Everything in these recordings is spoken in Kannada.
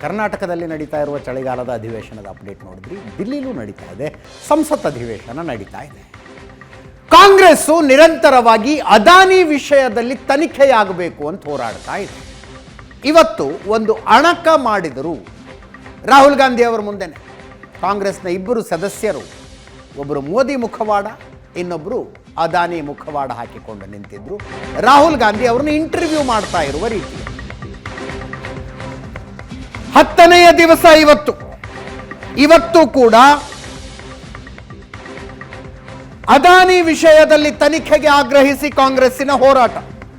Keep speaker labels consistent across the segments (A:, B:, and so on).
A: ಕರ್ನಾಟಕದಲ್ಲಿ ನಡೀತಾ ಇರುವ ಚಳಿಗಾಲದ ಅಧಿವೇಶನದ ಅಪ್ಡೇಟ್ ನೋಡಿದ್ರಿ. ದಿಲ್ಲಿಲೂ ನಡೀತಾ ಇದೆ, ಸಂಸತ್ ಅಧಿವೇಶನ ನಡೀತಾ ಇದೆ. ಕಾಂಗ್ರೆಸ್ಸು ನಿರಂತರವಾಗಿ ಅದಾನಿ ವಿಷಯದಲ್ಲಿ ತನಿಖೆಯಾಗಬೇಕು ಅಂತ ಹೋರಾಡ್ತಾ ಇದೆ. ಇವತ್ತು ಒಂದು ಅಣಕ ಮಾಡಿದರು ರಾಹುಲ್ ಗಾಂಧಿ ಅವರ ಮುಂದೆನೆ. ಕಾಂಗ್ರೆಸ್ನ ಇಬ್ಬರು ಸದಸ್ಯರು, ಒಬ್ಬರು ಮೋದಿ ಮುಖವಾಡ, ಇನ್ನೊಬ್ಬರು ಅದಾನಿ ಮುಖವಾಡ ಹಾಕಿಕೊಂಡು ನಿಂತಿದ್ರು. ರಾಹುಲ್ ಗಾಂಧಿ ಅವರನ್ನು ಇಂಟರ್ವ್ಯೂ ಮಾಡ್ತಾ ಇರುವ ರೀತಿ. 10ನೆಯ ದಿವಸ ಇವತ್ತು ಕೂಡ ಅದಾನಿ ವಿಷಯದಲ್ಲಿ ತನಿಖೆಗೆ ಆಗ್ರಹಿಸಿ ಕಾಂಗ್ರೆಸ್ಸಿನ ಹೋರಾಟ.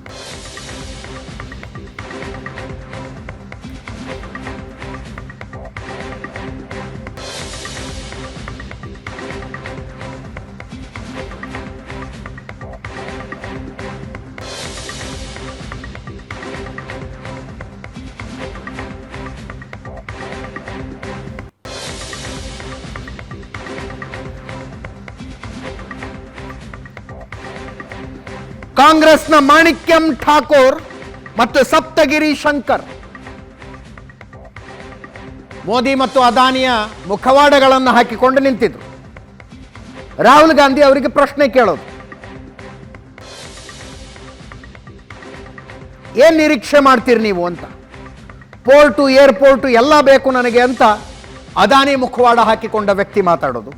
A: ಕಾಂಗ್ರೆಸ್ನ ಮಾಣಿಕ್ಯಂ ಠಾಕೂರ್ ಮತ್ತು ಸಪ್ತಗಿರಿ ಶಂಕರ್ ಮೋದಿ ಮತ್ತು ಅದಾನಿಯ ಮುಖವಾಡಗಳನ್ನು ಹಾಕಿಕೊಂಡು ನಿಂತಿದ್ರು. ರಾಹುಲ್ ಗಾಂಧಿ ಅವರಿಗೆ ಪ್ರಶ್ನೆ ಕೇಳೋದು, ಏನ್ ನಿರೀಕ್ಷೆ ಮಾಡ್ತೀರಿ ನೀವು ಅಂತ. ಪೋರ್ಟು, ಏರ್ಪೋರ್ಟು ಎಲ್ಲ ಬೇಕು ನನಗೆ ಅಂತ ಅದಾನಿ ಮುಖವಾಡ ಹಾಕಿಕೊಂಡ ವ್ಯಕ್ತಿ ಮಾತಾಡೋದು.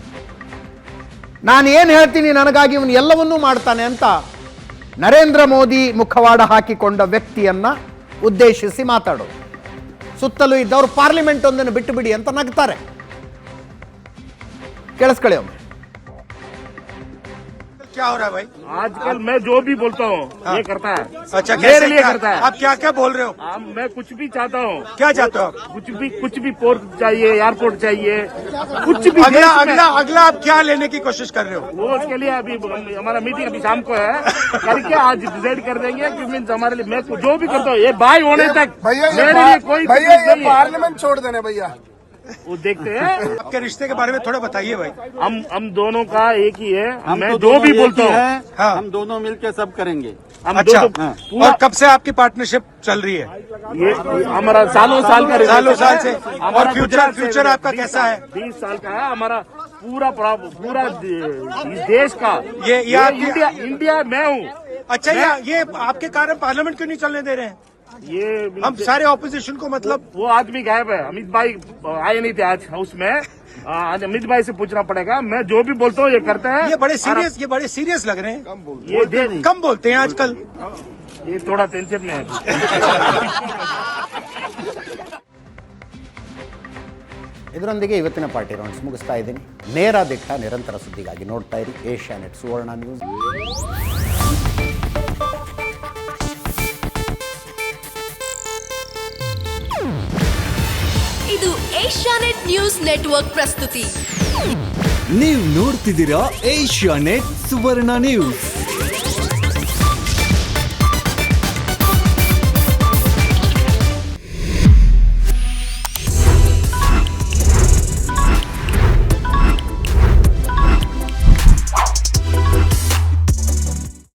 A: ನಾನು ಏನು ಹೇಳ್ತೀನಿ ನನಗಾಗಿ ಇವನು ಎಲ್ಲವನ್ನೂ ಮಾಡ್ತಾನೆ ಅಂತ ನರೇಂದ್ರ ಮೋದಿ ಮುಖವಾಡ ಹಾಕಿಕೊಂಡ ವ್ಯಕ್ತಿಯನ್ನ ಉದ್ದೇಶಿಸಿ ಮಾತಾಡೋದು. ಸುತ್ತಲೂ ಇದ್ದವರು ಪಾರ್ಲಿಮೆಂಟ್ ಒಂದನ್ನು ಬಿಟ್ಟು ಬಿಡಿ ಅಂತ ನಗ್ತಾರೆ. ಕೇಳಿಸ್ಕೊಳ್ಳಿ ಒಮ್ಮೆ.
B: क्या हो रहा है भाई?
C: आजकल मैं जो भी बोलता हूँ ये करता है।
B: अच्छा,
C: मेरे लिए करता है।
B: आप क्या क्या बोल रहे हो?
C: मैं कुछ भी चाहता हूँ।
B: क्या चाहते हो आप?
C: कुछ भी पोर्ट चाहिए, एयरपोर्ट चाहिए, कुछ भी।
B: अगला आप क्या लेने की कोशिश कर रहे हो?
C: वो उसके लिए अभी हमारा मीटिंग अभी शाम को है, करके आज डिसाइड कर देंगे कि मीन्स हमारे लिए मैं जो भी करता हूँ ये बाय होने तक मेरे लिए कोई
D: पार्लियामेंट छोड़ देना भैया,
C: वो देखते हैं।
B: आपके रिश्ते के बारे में थोड़ा बताइए भाई।
C: हम दोनों का एक ही है। मैं जो भी बोलता हूँ
D: हम दोनों मिलकर सब करेंगे।
C: हम
B: अच्छा,
C: पूरा
B: और कब से आपकी पार्टनरशिप चल रही है?
C: ये हमारा सालों साल का
B: सालों साल से।
C: हमारा
B: और फ्यूचर आपका कैसा है?
C: 20 साल का है हमारा। पूरा इस देश का
B: ये
C: इंडिया मैं हूँ।
B: अच्छा, ये आपके कारण पार्लियामेंट क्यों नहीं चलने दे रहे हैं?
C: ये
B: हम सारे ऑपोजिशन को मतलब
C: वो आदमी गायब है। अमित भाई आए नहीं थे आज हाउस में। आज अमित भाई से पूछना पड़ेगा। मैं जो भी बोलता हूँ ये करते हैं।
B: ये बड़े सीरियस लग रहे हैं।
C: कम
B: बोलते हैं आजकल।
C: ये थोड़ा टेंशन में है।
A: ಇದರೊಂದಿಗೆ ಇವತ್ತಿನ ಪಾರ್ಟಿ ರೌಂಡ್ಸ್ ಮುಗಿಸ್ತಾ ಇದ್ದೀನಿ. ನೇರ ದಿಟ್ಟ ನಿರಂತರ ಸುದ್ದಿಗಾಗಿ ನೋಡ್ತಾ ಇರಿ ಏಷ್ಯಾನೆಟ್ ಸುವರ್ಣ ನ್ಯೂಸ್.
E: ಇದು ಏಷ್ಯಾನೆಟ್ ನ್ಯೂಸ್ ನೆಟ್ವರ್ಕ್ ಪ್ರಸ್ತುತಿ.
F: ನೀವು ನೋಡ್ತಿದ್ದೀರಾ ಏಷ್ಯಾನೆಟ್ ಸುವರ್ಣ ನ್ಯೂಸ್.